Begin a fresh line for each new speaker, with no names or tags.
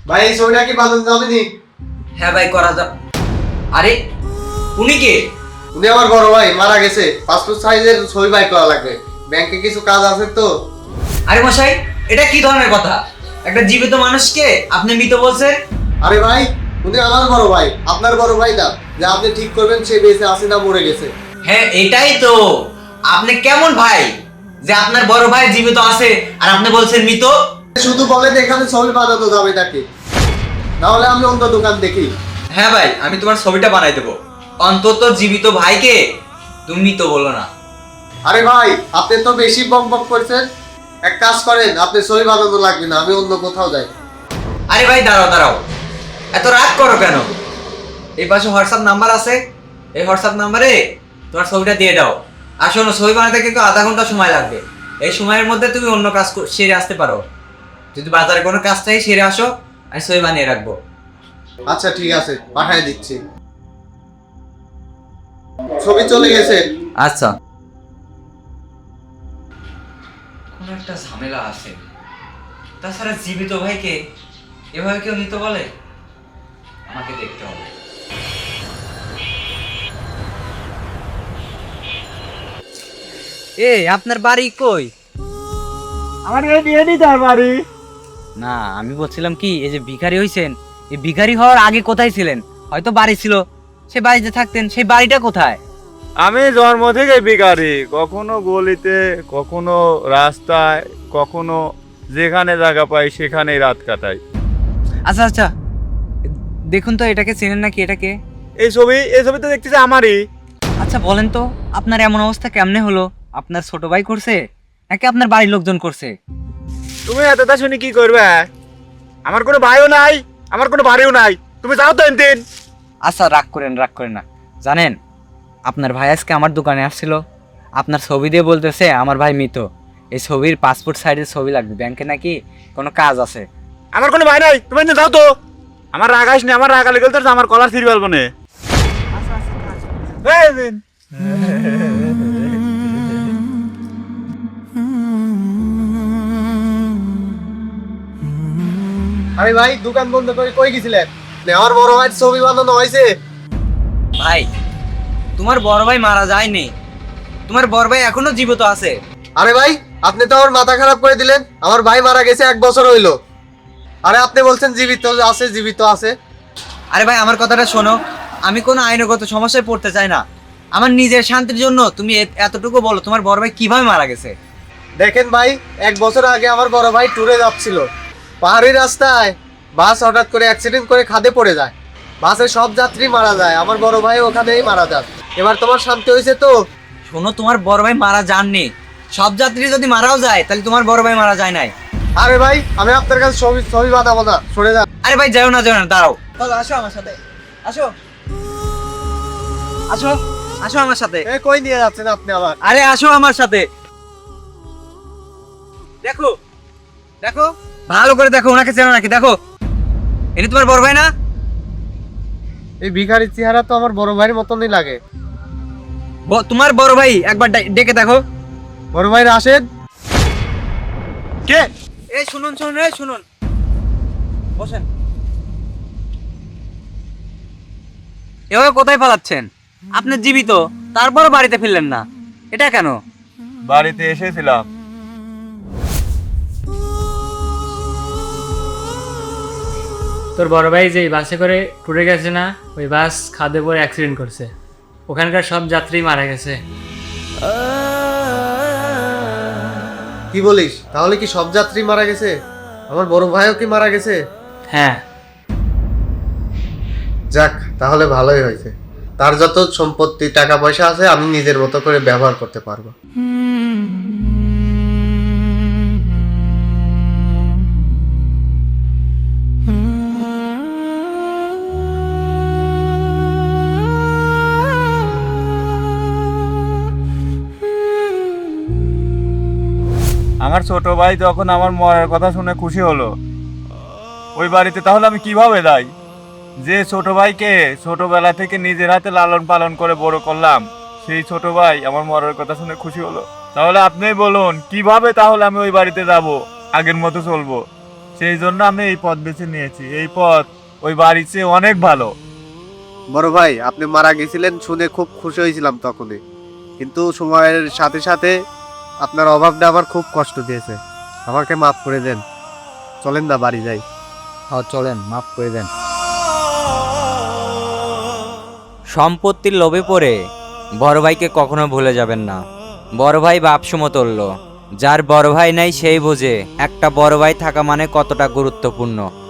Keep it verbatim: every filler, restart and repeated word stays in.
ভাই এই ছবিটা কি বানানো যাবে নি?
হ্যাঁ ভাই করা যাক। আরে উনি কে?
উনি আমার বড় ভাই, মারা গেছে। পাসপোর্ট সাইজের ছবি বাই করা লাগবে, ব্যাংকে কিছু কাজ আছে তো।
আরে মশাই, এটা কি ধরনের কথা? একটা জীবিত মানুষকে আপনি মৃত বলছেন?
আরে ভাই, উনি আমার বড় ভাই, আপনার বড় ভাই না। যে আপনি ঠিক করবেন সে বেঁচে আছে না মরে গেছে।
হ্যাঁ এটাই তো। আপনি কেমন ভাই যে আপনার বড় ভাই জীবিত আছে আর আপনি বলছেন মৃত?
শুধু বলেন এখানে ছবি বানানো যাবে নাকি, না হলে আমি অন্য দোকান দেখি।
হ্যাঁ ভাই, আমি তোমার ছবিটা বানাই দেবো। অন্তত জীবিত ভাইকে তুমি মৃত বলো না।
আরে ভাই, আপনি তো বেশি বক বক করছেন। এক কাজ করেন, আপনি ছবি বানানো লাগবে না, আমি অন্য কোথাও যাই।
আরে ভাই দাঁড়াও দাঁড়াও, এত রাগ করো কেন? এই পাশে হোয়াটসঅ্যাপ নাম্বার আছে, এই হোয়াটসঅ্যাপ নাম্বারে তোমার ছবিটা দিয়ে দাও। আর শোনো, ছবি বানাতে কিন্তু আধা ঘন্টা সময় লাগবে। এই সময়ের মধ্যে তুমি অন্য কাজ কর- সেরে আসতে পারো। যদি বাজারে কোনো কাজ চাই সেরে আসো, আমি ছবি বানিয়ে রাখবো।
আচ্ছা ঠিক আছে, পাঠিয়ে দিচ্ছি। ছবি চলে গেছে।
আচ্ছা। কোনো একটা ঝামেলা আছে। তাছাড়া জীবিত ভাইকে এভাবে কেউ নিতে বলে? আমাকে দেখতে হবে। এ আপনার বাড়ি কই?
আমার এডি এডি তার বাড়ি।
না, আমি বলছিলাম কি, এই যে ভিখারি হইছেন, এই ভিখারি হওয়ার আগে কোথায় ছিলেন? হয়তো বাড়ি ছিল, সে বাড়িতে থাকতেন, সেই বাড়িটা কোথায়?
আমি জন্ম থেকে ভিখারি, কখনো গলিতে, কখনো রাস্তায়, কখনো যেখানে জায়গা পাই সেখানেই রাত কাটাই।
আচ্ছা আচ্ছা, দেখুন তো এটাকে চেনেন নাকি? এটাকে?
এই ছবি এই ছবি তো দেখতেছি আমারই।
আচ্ছা বলেন তো, আপনার এমন অবস্থা কেমনে হলো? আপনার ছোট ভাই করছে নাকি আপনার বাড়ির লোকজন করছে?
তুমি এতটা শুনি কি করবে? আমার কোনো ভাইও নাই, আমার কোনো বাড়িও নাই, তুমি যাও তো এনতেন।
আচ্ছা রাগ করেন, রাগ করেন না। জানেন, আপনার ভাই আজকে আমার দোকানে আসছিল, আপনার ছবি দিয়ে বলতেছে আমার ভাই মৃত। এই ছবির পাসপোর্ট সাইজের ছবি লাগবে, ব্যাংকে নাকি কোনো কাজ আছে।
আমার কোনো ভাই নাই, তুমি এনতেন যাও তো। আমার রাগ আসনি, আমার রাগ আলে গেল তো আমার কলার ছিঁড়ে ফেলবো নে। এই দিন।
আরে ভাই, দোকান বন্ধ করে কই গেছিলেন? আমার বড় ভাইয়ের ছবি বানানো হয়েছে।
ভাই, তোমার বড় ভাই মারা যায়নি, তোমার বড় ভাই এখনো জীবিত আছে।
আরে ভাই, আপনি তো আমার মাথা খারাপ করে দিলেন। আমার ভাই মারা গেছে এক বছর হইলো। আরে আপনি বলছেন জীবিত আছে, জীবিত আছে।
আরে ভাই আমার কথাটা শোনো, আমি কোনো আইনগত সমস্যায় পড়তে চাই না। আমার নিজের শান্তির জন্য তুমি এ- এতটুকু বলো, তোমার বড় ভাই কিভাবে মারা গেছে?
দেখেন ভাই, এক বছর আগে আমার বড় ভাই ট্যুরে যাচ্ছিল। পাহাড়ি রাস্তায় বাস হঠাৎ করে অ্যাক্সিডেন্ট করে খাদে পড়ে যায়। বাসে সব যাত্রী মারা যায়, আমার বড় ভাই ওখানেই মারা যায়। এবার তোমার শান্তি হয়েছে তো?
শোনো, তোমার বড় ভাই মারা যাননি। সব যাত্রী যদি মারাও যায় তাহলে তোমার বড় ভাই মারা যায় নাই।
আরে ভাই, আমি আপনার কাছে ছবি ছবি বানাবো না, সরে যান।
আরে ভাই যাও না, যাও না, দাঁড়াও। চলো আসো আমার সাথে, আসো আসো আসো আমার সাথে।
এ কই নিয়ে যাচ্ছেন আপনি আবার?
আরে আসো আমার সাথে। দেখো দেখো, ভালো করে দেখো, ওনাকে চেনো নাকি দেখো। এনি তোমার বড় ভাই না?
এই ভিখারির চেহারা তো আমার বড় ভাইয়ের মতনই লাগে।
ব- তোমার বড় ভাই, একবার ডা- ডেকে দেখো।
বড় ভাই রাশেদ।
কে?
এই শুনুন শুনুন, এই শুনুন, বসেন। এভাবে কোথায় পালাচ্ছেন? আপনি জীবিত, তারপরও বাড়িতে ফিরলেন না, এটা কেন?
বাড়িতে এসেছিলাম।
তোর বড় ভাই যে বাসে করে ট্যুরে গেছে না, ওই বাস খাদে পরে অ্যাক্সিডেন্ট করছে। ওখানকার সব যাত্রী মারা গেছে।
কি বলিস? তাহলে কি সব যাত্রী মারা গেছে? আমার বড় ভাইও কি মারা গেছে?
হ্যাঁ।
যাক, তাহলে ভালোই হয়েছে। তার যত সম্পত্তি টাকা পয়সা আছে আমি নিজের মতো করে ব্যবহার করতে পারবো।
আমার ছোট ভাই যখন আমার মরার কথা শুনে খুশি হলো, ওই বাড়িতে তাহলে আমি কিভাবে যাই? যে ছোট ভাইকে ছোটবেলা থেকে নিজের হাতে লালন পালন করে বড় করলাম, সেই ছোট ভাই আমার মরার কথা শুনে খুশি হলো। তাহলে আপনিই বলুন কিভাবে তাহলে আমি ওই বাড়িতে যাব, আগের মতো চলবো? সেই জন্য আমি এই পথ বেছে নিয়েছি। এই পথ ওই বাড়ির চেয়ে অনেক ভালো।
বড় ভাই আপনি মারা গেছিলেন শুনে খুব খুশি হয়েছিলাম তখনই, কিন্তু সময়ের সাথে সাথে আপনার অভাবটা আমার খুব কষ্ট দিয়েছে। আমাকে মাফ করে দেন, চলেন না বাড়ি যাই।
হ্যাঁ চলেন, মাফ করে দেন। সম্পত্তির লোভে পড়ে বড় ভাইকে কখনো ভুলে যাবেন না। বড় ভাই বাপ সমতুল্য। যার বড় ভাই নাই সেই বোঝে একটা বড় ভাই থাকা মানে কতটা গুরুত্বপূর্ণ।